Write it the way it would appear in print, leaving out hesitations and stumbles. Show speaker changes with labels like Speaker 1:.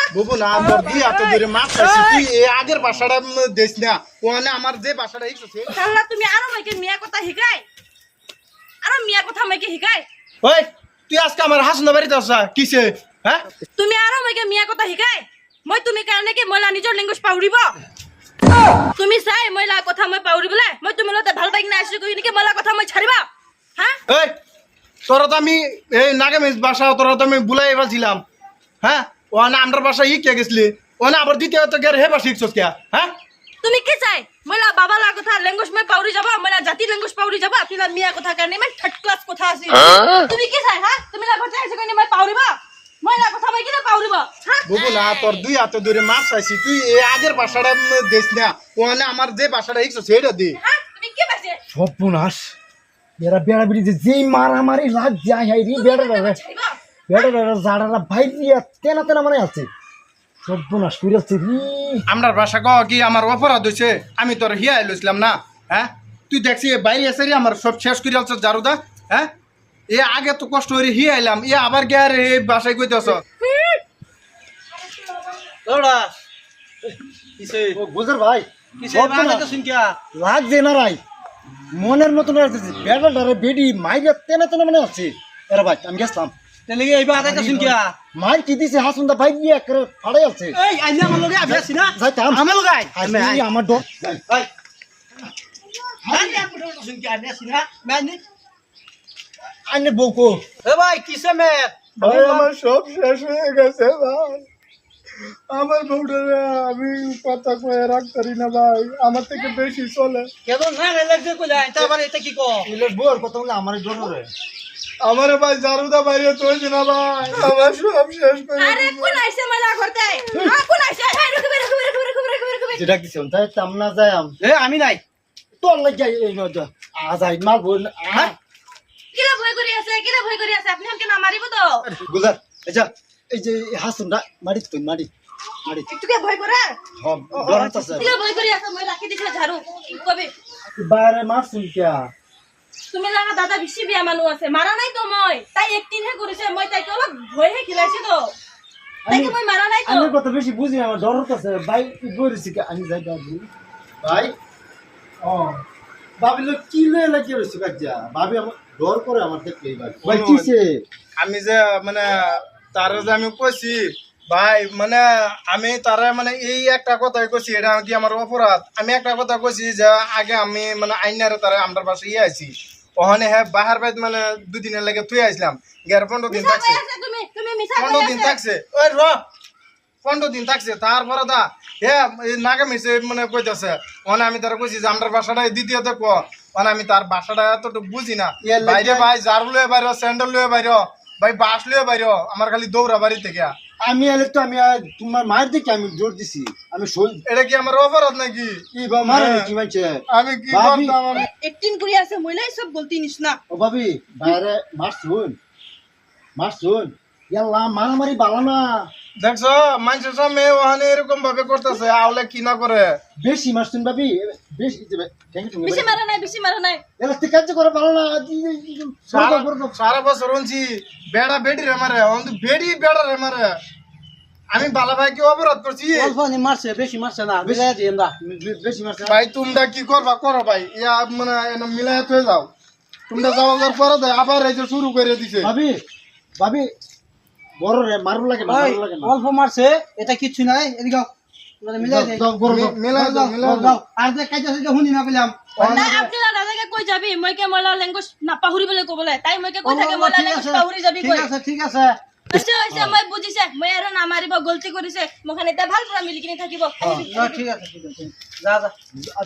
Speaker 1: বুবু না তোর দি এত দূরে মাছ খাইছি তুই এই আগের ভাষাটা দেশ না ওখানে আমার যে ভাষাটা শিখছে
Speaker 2: তাহলে তুমি আরো মাইকে মিয়া কথা শিকাই আরো মিয়া কথা মাইকে শিকাই
Speaker 1: ওই তুই আজকে আমার হাসনা বাড়িতে আসা কিসে হ্যাঁ
Speaker 2: তুমি আরো মাইকে মিয়া কথা শিকাই মই তুমি কাৰণে কি মইলা নিজৰ লেংগুৱেজ পাউৰিব তুমি চাই মইলা কথা মই পাউৰিবলে মই তুমি লতে ভাল পাই না আসি কই নেকি মইলা কথা মই ছাড়িবা হ্যাঁ
Speaker 1: এই তোরা তো আমি এই নাগামিজ ভাষা তোরা তো আমি বুলাই ফেলছিলাম হ্যাঁ ওখানে আমার ভাষা কে গেছিলি ওখানে আবার দ্বিতীয়ত গের হে ভাষা শিখছস কে হ্যাঁ
Speaker 2: তুমি কি চাই মইলা বাবালা কথা লেংগুৱেজ মই পাউৰি যাব মইলা জাতি লেংগুৱেজ পাউৰি যাব তুমি মিয়া কথা কাৰণে মই থাৰ্ড ক্লাস কথা আছে তুমি কি চাই হ্যাঁ তুমি লা কথা আছে কই মই পাউৰিবা মইলা কথা মই কিনা পাউৰিব হ্যাঁ
Speaker 1: বুবু না তোর দুই হাত দূরে মাছ খাইছি তুই এই আগের ভাষাটা দেশ না ওখানে আমার যে ভাষাটা শিখছস সেটা দে
Speaker 2: হ্যাঁ তুমি কি বাজে
Speaker 3: সর্বনাশ এরা বেড়া বেড়ি যেই মারামারি লাগ যায় হাই রে বেড়া
Speaker 2: ছাড়িবা
Speaker 3: বেড়া জাড়ারা ভাই দিয়া তেনা তেনা মানে আছে সর্বনাশ করে আছে রে
Speaker 1: আমার ভাষা কহ কি আমার অপরাধ হয়েছে আমি তোর হিয়া লইছিলাম না হ্যাঁ তুই দেখছি এ বাইরে এসে আমার সব শেষ করে আলছ জারুদা হ্যাঁ এ আগে তো কষ্ট করে হিয়া এলাম এ আবার গে আর এই বাসায় কইতেছ
Speaker 4: ওরা কিসে
Speaker 3: ও গুজর ভাই
Speaker 4: কিসে বানাইতে শুন কিয়া
Speaker 3: লাগছে না রাই মনের মতন আছে বেড়া ডারে বেডি মাইরা তেনা তেনা মানে আছে এরা ভাই আমি গেছলাম
Speaker 4: তেলে এইবা আদাইতে শুন কিয়া
Speaker 3: মাই কি দিছে হাসুন্দা ভাই দিয়া করে ফাড়াই আছে
Speaker 4: এই আইনা আমার লগে আবি আছি না
Speaker 3: যাইতাম
Speaker 4: আমার লগে আই
Speaker 3: আসি আমার ডর
Speaker 4: এই আইনা পুরো শুন কিয়া আনি আছি না মানি
Speaker 3: আইনে বউকো
Speaker 4: এ ভাই কিসে মে
Speaker 1: ভাই আমার সব শেষ হয়ে গেছে ভাই আমার বউটারে আমি কথা কয়ে রাখতারি না ভাই আমার থেকে বেশি চলে
Speaker 4: কেন না লাগছে কইলা এটা আবার এটা কি কো
Speaker 3: ইলে বউর কথা বলে আমার ডর রে
Speaker 1: আমার ভাই জারুদা বাইরে তোইছে না ভাই আমার সব শেষ করে
Speaker 2: আরে কোন আইছে মইলা করতে হ্যাঁ কোন আইছে এই রুকবে
Speaker 3: যেটা কি শুন তাই তামনা যায়
Speaker 4: এ আমি নাই
Speaker 3: তোর লাগে এই নজা আজ আই মাল বল
Speaker 2: কিলা ভয় করি আছে আপনি আমাকে না মারিব তো
Speaker 3: গুজার আচ্ছা এই যে হাসুন্দা মারি তুই মারি মারি
Speaker 2: একটু কে ভয় করে
Speaker 3: হব গরম আছে
Speaker 2: কিলা ভয় করি আছে মই রাখি দিছে ঝাড়ু কবে
Speaker 3: বাইরে মারছুন কিয়া
Speaker 2: তুমি লাগা দাদা বেশি বিয়া মানু আছে মারা নাই তো মই তাই একদিন হে করিছে মই তাইকে অলপ ভয় হে খিলাইছি তো তাইকে মই মারা নাই তো
Speaker 3: আমি কত বেশি বুঝি আমার ডর হচ্ছে ভাই কি বলিছি কি আমি যাই দাদু ভাই ও ভাবি লোক কি লয়ে লাগি রইছে কাজা ভাবি আমার ডর করে আমার দেখলেই ভাই ভাই কিসে
Speaker 1: আমি যে মানে তারে যে আমি কইছি ভাই মানে আমি তারে মানে এই একটা কথাই কইছি এটা কি আমার অপরাধ আমি একটা কথা কইছি যে আগে আমি মানে আইনারে তারে আমার পাশে আইছি ওখানে হ্যাঁ বাহার বাইত মানে দুদিনের লাগে তুই আইছিলাম 15 দিন থাকছে
Speaker 2: তুমি মিছা
Speaker 1: 15 দিন থাকছে ওই র 15 দিন থাকছে তারপরে দা হ্যাঁ নাগামিছে মানে কইতাছে ওখানে আমি তারা কইছি যে আমার বাসাটা দ্বিতীয়তে ক মানে আমি তার বাসাটা এতটুকু বুঝি না বাইরে ভাই ঝাড়ু লয়ে বাইরে স্যান্ডেল লয়ে বাইরে ভাই বাস লয়ে বাইরে আমার খালি দৌড়া বাড়ি থেকে
Speaker 3: আমি আলে তো আমি তোমার মার দিকে আমি জোর দিছি আমি শোল
Speaker 1: এটা কি আমার অপরাধ নাকি
Speaker 3: কি বা মারে কি মানছে
Speaker 1: আমি কি
Speaker 3: ভাবি।
Speaker 1: করতাম আমি?
Speaker 2: একদিন করি আছে মইলাই সব গলতি নিস না
Speaker 3: ও ভাবি বাইরে মারছুন ইয়াল্লা মারামারি বালা না
Speaker 1: দেখছো মানুষের সামনে ওখানে এরকম ভাবে করতেছে আওলে কি না করে
Speaker 3: বেশি মারছুন ভাবি বেশি থ্যাংক ইউ
Speaker 2: বেশি মারা নাই
Speaker 3: এলা ঠিক কাজ করে ভালো না
Speaker 1: সারা বছর হচ্ছি বেড়া বেড়ি রে মারে অন্ত বেড়ি বেড়া রে মারে আমি বালা ভাই কি অপরাধ করছি
Speaker 4: অল্প নি মারছে বেশি মারছে না বিলাই দিন দা
Speaker 3: বেশি মারছে
Speaker 1: ভাই তোমরা কি করবা করো ভাই ইয়া মানে এনে মিলাই হয়ে যাও তোমরা যাওয়ার পরে দেয় আবার এই যে শুরু করে দিছে
Speaker 3: ভাবি ভাবি বড় রে মারু লাগে না মারু লাগে না
Speaker 4: অল্প মারছে এটা কিছু নাই এদিকে মানে মিলাই দে
Speaker 1: মিলাই দাও মিলাই দাও
Speaker 4: দাও আর যে কাজ আছে হুনি না পেলাম
Speaker 2: নাই আপনি দাদাকে কই যাবি মইকে মইলা ল্যাঙ্গুয়েজ না পাহুরিবলে কবলে তাই মইকে কই থাকে মইলা ল্যাঙ্গুয়েজ পাহুরি যাবি কই
Speaker 4: ঠিক আছে
Speaker 2: হৈছে মই বুজিছে মই আৰু নামাৰিব গলতি কৰিছে মখান এটা ভাল পৰা মিলি কিনে থাকিব
Speaker 4: ঠিক আছে যা যা